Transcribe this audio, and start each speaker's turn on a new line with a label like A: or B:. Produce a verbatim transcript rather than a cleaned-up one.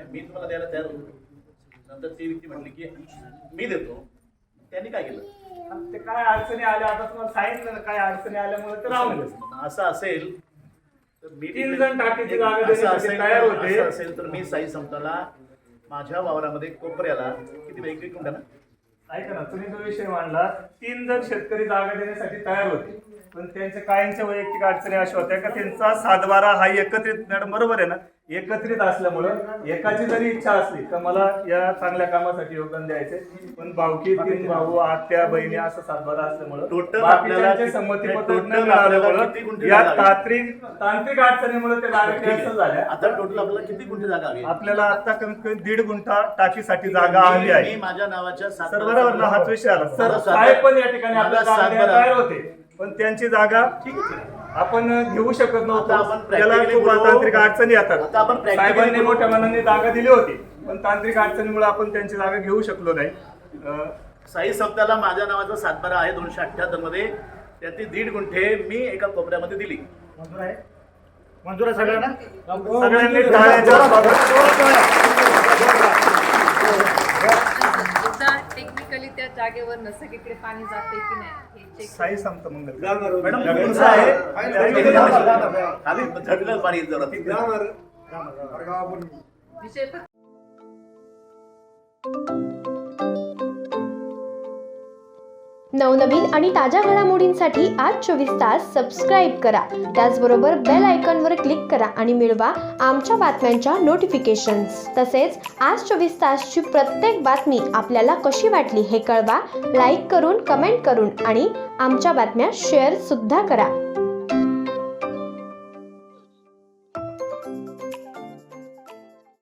A: मी तुम्हाला द्यायला तयार होतो. नंतर ती व्यक्ती म्हटली की मी देतो. त्यांनी काय केलं,
B: ते काय अडचणी आल्या आता तुम्हाला सांगितलं ना, काय अडचणी आल्यामुळे ते राहून गेलं.
A: असं असेल तर मी
B: तीन जण टाकीची जागा
A: असं
B: देण्यासाठी
A: असेल
B: तयार होते.
A: असं असेल तर मी साई संताला माझ्या वावरामध्ये कोपऱ्याला किती वेगळी कुंडा ना
B: ऐका ना, तुम्ही जो विषय मांडला, तीन जण शेतकरी जागा देण्यासाठी तयार होते, पण त्यांच्या कायमच्या वैयक्तिक अडचणी अशा होत्या का त्यांचा सातबारा हा एकत्रित, मॅडम बरोबर आहे ना, एकत्रित असल्यामुळं एकाची जरी इच्छा असली तर मला या चांगल्या कामासाठी योगदान द्यायचे, पण भाऊकी तीन भाऊ आत्या बहिणी असं सातबारा असल्यामुळं
A: टोटल
B: बाकीच्यांचे संमतीपत्र न मिळाल्यामुळं या तांत्रिक तांत्रिक अडचणीमुळे ते जागा कॅन्सल झाल्या.
A: आता टोटल आपल्याला किती गुंठे जागा हवी?
B: आपल्याला आता कमीत कमी दीड गुंठा टाकीसाठी जागा हवी आहे.
A: मी माझ्या नावाच्या
B: सर बरोबर ना, हाच विषय आला. सर
A: माझा
B: साहेब पण या ठिकाणी आपल्या
A: माझा
B: जागा द्यायला
A: सातबारा.
B: तयार होते, पण त्यांची जागा
A: ठीक आहे.
B: आपण घेऊ शकत
A: आता
B: नव्हतो.
A: आपण
B: त्याला
A: practically
B: खूप
A: बोलू.
B: तांत्रिक अडचणी येतात.
A: आता आपण practically
B: साहेबांनी
A: बोलू.
B: मोठ्या मनाने जागा दिली होती, पण तांत्रिक अडचणीमुळे आपण त्यांची जागा घेऊ शकलो नाही. अं,
A: साई सप्ताला माझ्या नावाचा सातबारा आहे दोनशे अठ्ठ्याहत्तर मध्ये, त्यातली दीड गुंठे मी एका कोपऱ्यामध्ये दिली.
B: मंजूर आहे मंजूर आहे सगळ्यांना सगळ्यांनी टाळ्यांच्या
C: टेक्निकली त्या जागेवर सगळीकडे पाणी जाते की नाही हे चेक.
B: साई संत मंगल
A: मॅडम तुमचं आहे आम्ही झटलं पाणी येत जरा.
C: विषय फक्त
D: नवनवीन आणि ताज्या घडामोडींसाठी आज चोवीस तास सबस्क्राईब करा. त्याचबरोबर बेल आयकॉनवर क्लिक करा आणि मिळवा आमच्या बातम्यांच्या नोटिफिकेशन्स. तसेच आज चोवीस तासची प्रत्येक बातमी आपल्याला कशी वाटली हे कळवा. लाईक करून, कमेंट करून आणि आमच्या बातम्या शेअर सुद्धा करा.